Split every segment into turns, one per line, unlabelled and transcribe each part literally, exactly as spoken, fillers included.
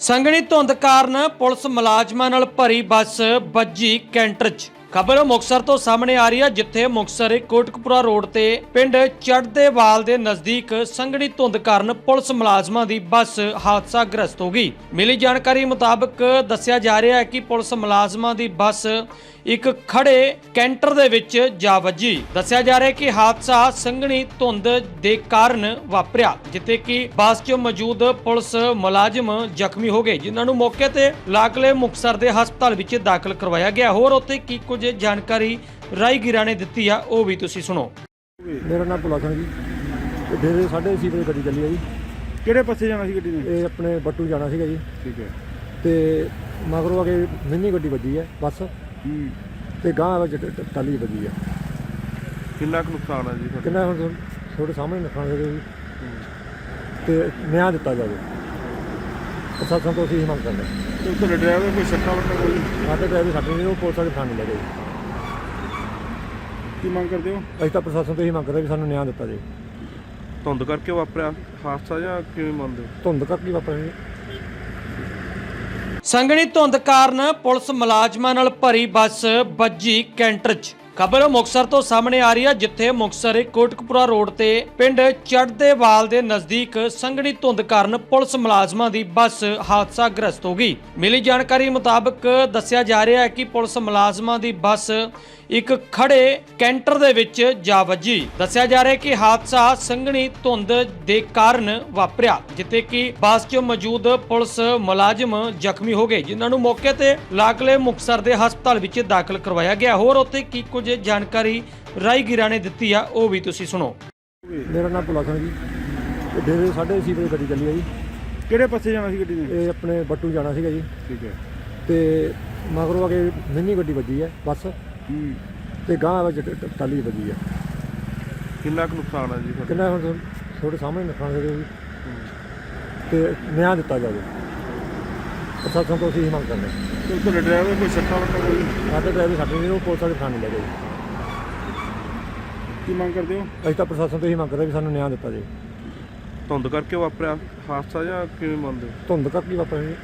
ਸੰਘਣੀ ਧੁੰਦ ਕਾਰਨ ਪੁਲਿਸ ਮੁਲਾਜ਼ਮਾਂ ਨਾਲ ਭਰੀ ਬੱਸ ਵੱਜੀ ਕੈਂਟਰ 'ਚ। ਖਬਰ ਮੁਕਤਸਰ ਤੋਂ ਸਾਹਮਣੇ ਆ ਰਹੀ ਹੈ, ਜਿੱਥੇ ਮੁਕਤਸਰ ਕੋਟਕਪੂਰਾ ਰੋਡ ਤੇ ਪਿੰਡ ਚੜ੍ਹਦੇਵਾਲ ਦੇ ਨਜ਼ਦੀਕ ਸੰਘਣੀ ਧੁੰਦ ਕਾਰਨ ਪੁਲਿਸ ਮੁਲਾਜ਼ਮਾਂ ਦੀ ਬੱਸ ਹਾਦਸਾਗ੍ਰਸਤ ਹੋ ਗਈ। ਮਿਲੀ ਜਾਣਕਾਰੀ ਮੁਤਾਬਕ ਦੱਸਿਆ ਜਾ ਰਿਹਾ ਹੈ ਕਿ ਪੁਲਿਸ ਮੁਲਾਜ਼ਮਾਂ ਦੀ ਬੱਸ ਇੱਕ ਖੜੇ ਕੈਂਟਰ ਦੇ ਵਿੱਚ ਜਾ ਵੱਜੀ। ਦੱਸਿਆ ਜਾ ਰਿਹਾ ਹੈ ਕਿ ਹਾਦਸਾ ਸੰਘਣੀ ਧੁੰਦ ਦੇ ਕਾਰਨ ਵਾਪਰਿਆ, ਜਿੱਥੇ ਕਿ ਬੱਸ 'ਚ ਮੌਜੂਦ ਪੁਲਿਸ ਮੁਲਾਜ਼ਮ ਜ਼ਖਮੀ ਹੋ ਗਏ, ਜਿਨ੍ਹਾਂ ਨੂੰ ਮੌਕੇ ਤੇ ਲਾਗਲੇ ਮੁਕਤਸਰ ਦੇ ਹਸਪਤਾਲ ਵਿੱਚ ਦਾਖਲ ਕਰਵਾਇਆ ਗਿਆ। ਹੋਰ ਉੱਥੇ ਕੀ ਕੁਝ ਜਾਣਕਾਰੀ ਰਾਈਗੀਰਾ ਨੇ ਦਿੱਤੀ ਆ, ਉਹ ਵੀ ਤੁਸੀਂ ਸੁਣੋ।
ਮੇਰਾ ਨਾਮ ਭੁਲਾ ਸਿੰਘ ਜੀ। ਤੇ ਡੇਰੇ ਸਾਢੇ ਛੇ ਵਜੇ ਗੱਡੀ ਚੱਲੀ ਹੈ ਜੀ।
ਕਿਹੜੇ ਪਾਸੇ ਜਾਣਾ ਸੀ ਗੱਡੀ ਨੇ?
ਇਹ ਆਪਣੇ ਬੱਟੂ ਜਾਣਾ ਸੀਗਾ ਜੀ।
ਠੀਕ ਹੈ।
ਤੇ ਮਗਰੋਂ ਆ ਕੇ ਮਿੰਨੀ ਗੱਡੀ ਵੱਜੀ ਹੈ ਬੱਸ,
ਹੂੰ।
ਤੇ ਗਾਂਹ ਵਿੱਚ ਟ- ਟ- ਟਾਲੀ ਵੱਜੀ ਹੈ।
ਕਿੰਨਾ ਕੁ ਨੁਕਸਾਨ ਹੈ ਜੀ ਤੁਹਾਡਾ?
ਕਿੰਨਾ ਹੁਣ ਤੁਹਾ- ਤੁਹਾਡੇ ਸਾਹਮਣੇ ਨੁਕਸਾਨ ਹੋ ਗਿਆ ਜੀ। ਤੇ ਨਿਆਂ ਦਿੱਤਾ ਜਾਵੇ, ਪ੍ਰਸ਼ਾਸਨ ਤੋਂ ਅਸੀਂ ਇਹ ਮੰਗ ਕਰਦੇ ਹਾਂ।
ਤੇ ਤੁਹਾਡੇ ਡਰਾਈਵਰ ਕੋਈ ਸੱਟਾਂ ਵੱਟਾਂ ਕੋਈ?
ਸਾਡੇ ਡਰਾਈਵਰ ਸਾਡੇ ਨੇ ਉਹ ਪੁਲਿਸ ਵਾਲੇ ਥਾਣੇ ਲੈ ਗਏ ਜੀ।
ਕੀ ਮੰਗ ਕਰਦੇ ਹੋ?
ਅਸੀਂ ਤਾਂ ਪ੍ਰਸ਼ਾਸਨ ਤੋਂ ਇਹ ਮੰਗ ਕਰਦੇ ਵੀ ਸਾਨੂੰ ਨਿਆਂ ਦਿੱਤਾ ਜਾਵੇ।
ਧੁੰਦ ਕਰਕੇ ਵਾਪਰਿਆ ਹਾਦਸਾ ਜਾਂ ਕਿਵੇਂ ਮੰਨਦੇ ਹੋ?
ਧੁੰਦ ਕਰਕੇ ਵਾਪਰਿਆ ਜੀ।
ਸੰਘਣੀ ਧੁੰਦ ਕਾਰਨ ਪੁਲਿਸ ਮੁਲਾਜ਼ਮਾਂ ਨਾਲ ਭਰੀ ਬੱਸ ਵੱਜੀ ਕੈਂਟਰ 'ਚ। ਖਬਰ ਮੁਕਤਸਰ ਤੋਂ ਸਾਹਮਣੇ ਆ ਰਹੀ ਹੈ, ਜਿੱਥੇ ਮੁਕਤਸਰ ਕੋਟਕਪੂਰਾ ਰੋਡ ਤੇ ਪਿੰਡ ਚੜ੍ਹਦੇਵਾਲ ਦੇ ਨਜ਼ਦੀਕ ਸੰਘਣੀ ਧੁੰਦ ਕਾਰਨ ਪੁਲਿਸ ਮੁਲਾਜ਼ਮਾਂ ਦੀ ਬੱਸ ਹਾਦਸਾਗ੍ਰਸਤ ਹੋ ਗਈ। ਮਿਲੀ ਜਾਣਕਾਰੀ ਮੁਤਾਬਕ ਦੱਸਿਆ ਜਾ ਰਿਹਾ ਹੈ ਕਿ ਪੁਲਿਸ ਮੁਲਾਜ਼ਮਾਂ ਦੀ ਬੱਸ ਇੱਕ ਖੜੇ ਕੈਂਟਰ ਦੇ ਵਿੱਚ ਜਾ ਵੱਜੀ। ਦੱਸਿਆ ਜਾ ਰਿਹਾ ਹੈ ਕਿ ਹਾਦਸਾ ਸੰਘਣੀ ਧੁੰਦ ਦੇ ਕਾਰਨ ਵਾਪਰਿਆ, ਜਿੱਥੇ ਕਿ ਬੱਸ 'ਚ ਮੌਜੂਦ ਪੁਲਿਸ ਮੁਲਾਜ਼ਮ ਜ਼ਖਮੀ ਹੋ ਗਏ, ਜਿਨ੍ਹਾਂ ਨੂੰ ਮੌਕੇ ਤੇ ਲਾਗਲੇ ਮੁਕਤਸਰ ਦੇ ਹਸਪਤਾਲ ਵਿੱਚ ਦਾਖਲ ਕਰਵਾਇਆ ਗਿਆ। ਹੋਰ ਉੱਥੇ ਕੀ ਕੁਝ ਜਾਣਕਾਰੀ ਰਾਈਗੀਰਾ ਨੇ ਦਿੱਤੀ ਆ, ਉਹ ਵੀ ਤੁਸੀਂ ਸੁਣੋ।
ਮੇਰਾ ਨਾਮ ਭੁਲਾ ਸਿੰਘ ਜੀ। ਤੇ ਡੇਰੇ ਸਾਢੇ ਛੇ ਵਜੇ ਗੱਡੀ ਚੱਲੀ ਹੈ ਜੀ।
ਕਿਹੜੇ ਪਾਸੇ ਜਾਣਾ ਸੀ ਗੱਡੀ ਨੇ?
ਇਹ ਆਪਣੇ ਬੱਟੂ ਜਾਣਾ ਸੀਗਾ ਜੀ।
ਠੀਕ ਹੈ।
ਤੇ ਮਗਰੋਂ ਆ ਕੇ ਮਿੰਨੀ ਗੱਡੀ ਵੱਜੀ ਹੈ ਬੱਸ,
ਹੂੰ।
ਤੇ ਗਾਂਹ ਵਿੱਚ ਟ- ਟ- ਟਾਲੀ ਵੱਜੀ ਹੈ।
ਕਿੰਨਾ ਕੁ ਨੁਕਸਾਨ ਹੈ ਜੀ ਤੁਹਾਡਾ?
ਕਿੰਨਾ ਹੁਣ ਤੁਹਾ- ਤੁਹਾਡੇ ਸਾਹਮਣੇ ਨੁਕਸਾਨ ਹੋ ਗਿਆ ਜੀ। ਤੇ ਨਿਆਂ ਦਿੱਤਾ ਜਾਵੇ, ਪ੍ਰਸ਼ਾਸਨ ਤੋਂ ਅਸੀਂ ਇਹ ਮੰਗ ਕਰਦੇ ਹਾਂ।
ਤੇ ਤੁਹਾਡੇ ਡਰਾਈਵਰ ਕੋਈ ਸੱਟਾਂ ਵੱਟਾਂ ਕੋਈ?
ਸਾਡੇ ਡਰਾਈਵਰ ਸਾਡੇ ਨੇ ਉਹ ਪੁਲਿਸ ਵਾਲੇ ਥਾਣੇ ਲੈ ਗਏ ਜੀ।
ਕੀ ਮੰਗ ਕਰਦੇ ਹੋ?
ਅਸੀਂ ਤਾਂ ਪ੍ਰਸ਼ਾਸਨ ਤੋਂ ਇਹ ਮੰਗ ਕਰਦੇ ਵੀ ਸਾਨੂੰ ਨਿਆਂ ਦਿੱਤਾ ਜਾਵੇ।
ਧੁੰਦ ਕਰਕੇ ਵਾਪਰਿਆ ਹਾਦਸਾ ਜਾਂ ਕਿਵੇਂ ਮੰਨਦੇ ਹੋ?
ਧੁੰਦ ਕਰਕੇ ਵਾਪਰਿਆ ਜੀ।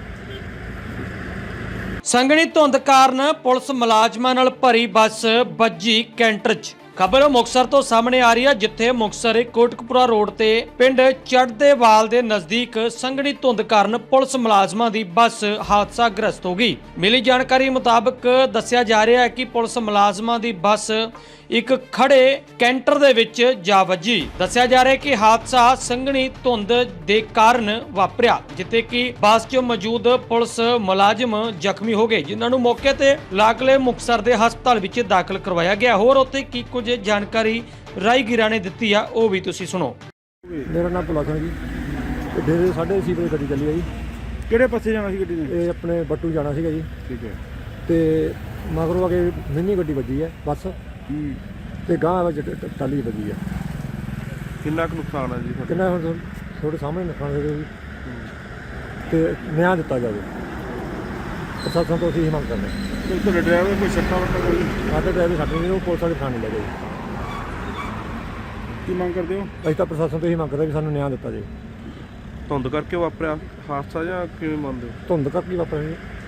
ਸੰਘਣੀ ਧੁੰਦ ਕਾਰਨ ਪੁਲਿਸ ਮੁਲਾਜ਼ਮਾਂ ਨਾਲ ਭਰੀ ਬੱਸ ਵੱਜੀ ਕੈਂਟਰ 'ਚ। ਖਬਰ ਮੁਕਤਸਰ ਤੋਂ ਸਾਹਮਣੇ ਆ ਰਹੀ ਹੈ, ਜਿੱਥੇ ਮੁਕਤਸਰ ਕੋਟਕਪੂਰਾ ਰੋਡ ਤੇ ਪਿੰਡ ਚੜ੍ਹਦੇਵਾਲ ਦੇ ਨਜ਼ਦੀਕ ਸੰਘਣੀ ਧੁੰਦ ਕਾਰਨ ਪੁਲਿਸ ਮੁਲਾਜ਼ਮਾਂ ਦੀ ਬੱਸ ਹਾਦਸਾਗ੍ਰਸਤ ਹੋ ਗਈ। ਮਿਲੀ ਜਾਣਕਾਰੀ ਮੁਤਾਬਕ ਦੱਸਿਆ ਜਾ ਰਿਹਾ ਹੈ ਕਿ ਪੁਲਿਸ ਮੁਲਾਜ਼ਮਾਂ ਦੀ ਬੱਸ ਇੱਕ ਖੜੇ ਕੈਂਟਰ ਦੇ ਵਿੱਚ ਜਾ ਵੱਜੀ। ਦੱਸਿਆ ਜਾ ਰਿਹਾ ਹੈ ਕਿ ਹਾਦਸਾ ਸੰਘਣੀ ਧੁੰਦ ਦੇ ਕਾਰਨ ਵਾਪਰਿਆ, ਜਿੱਥੇ ਕਿ ਬੱਸ 'ਚ ਮੌਜੂਦ ਪੁਲਿਸ ਮੁਲਾਜ਼ਮ ਜ਼ਖਮੀ ਹੋ ਗਏ, ਜਿਨ੍ਹਾਂ ਨੂੰ ਮੌਕੇ ਤੇ ਲਾਗਲੇ ਮੁਕਤਸਰ ਦੇ ਹਸਪਤਾਲ ਵਿੱਚ ਦਾਖਲ ਕਰਵਾਇਆ ਗਿਆ। ਹੋਰ ਉੱਥੇ ਕੀ ਕੁਝ ਜਾਣਕਾਰੀ ਰਾਈਗੀਰਾ ਨੇ ਦਿੱਤੀ ਆ, ਉਹ ਵੀ ਤੁਸੀਂ ਸੁਣੋ।
ਮੇਰਾ ਨਾਮ ਭੁਲਾ ਸਿੰਘ ਜੀ। ਤੇ ਡੇਰੇ ਸਾਢੇ ਛੇ ਵਜੇ ਗੱਡੀ ਚੱਲੀ ਹੈ ਜੀ।
ਕਿਹੜੇ ਪਾਸੇ ਜਾਣਾ ਸੀ ਗੱਡੀ ਨੇ?
ਇਹ ਆਪਣੇ ਬੱਟੂ ਜਾਣਾ ਸੀਗਾ ਜੀ।
ਠੀਕ ਹੈ।
ਤੇ ਮਗਰੋਂ ਆ ਕੇ ਮਿੰਨੀ ਗੱਡੀ ਵੱਜੀ ਹੈ ਬੱਸ,
ਹੂੰ।
ਤੇ ਗਾਂਹ ਵਿੱਚ ਟ- ਟ- ਟਾਲੀ ਵੱਜੀ ਹੈ।
ਕਿੰਨਾ ਕੁ ਨੁਕਸਾਨ ਹੈ ਜੀ ਤੁਹਾਡਾ?
ਕਿੰਨਾ ਹੁਣ ਤੁਹਾ- ਤੁਹਾਡੇ ਸਾਹਮਣੇ ਨੁਕਸਾਨ ਹੋ ਗਿਆ ਜੀ। ਤੇ ਨਿਆਂ ਦਿੱਤਾ ਜਾਵੇ, ਪ੍ਰਸ਼ਾਸਨ ਤੋਂ ਅਸੀਂ ਇਹ ਮੰਗ ਕਰਦੇ ਹਾਂ।
ਤੇ ਤੁਹਾਡੇ ਡਰਾਈਵਰ ਕੋਈ ਸੱਟਾਂ ਵੱਟਾਂ ਕੋਈ?
ਸਾਡੇ ਡਰਾਈਵਰ ਸਾਡੇ ਨੇ ਉਹ ਪੁਲਿਸ ਵਾਲੇ ਥਾਣੇ ਲੈ ਗਏ ਜੀ।
ਕੀ ਮੰਗ ਕਰਦੇ ਹੋ?
ਅਸੀਂ ਤਾਂ ਪ੍ਰਸ਼ਾਸਨ ਤੋਂ ਇਹ ਮੰਗ ਕਰਦੇ ਵੀ ਸਾਨੂੰ ਨਿਆਂ ਦਿੱਤਾ ਜਾਵੇ।
ਧੁੰਦ ਕਰਕੇ ਵਾਪਰਿਆ ਹਾਦਸਾ ਜਾਂ ਕਿਵੇਂ ਮੰਨਦੇ ਹੋ?
ਧੁੰਦ ਕਰਕੇ ਵਾਪਰਿਆ ਜੀ।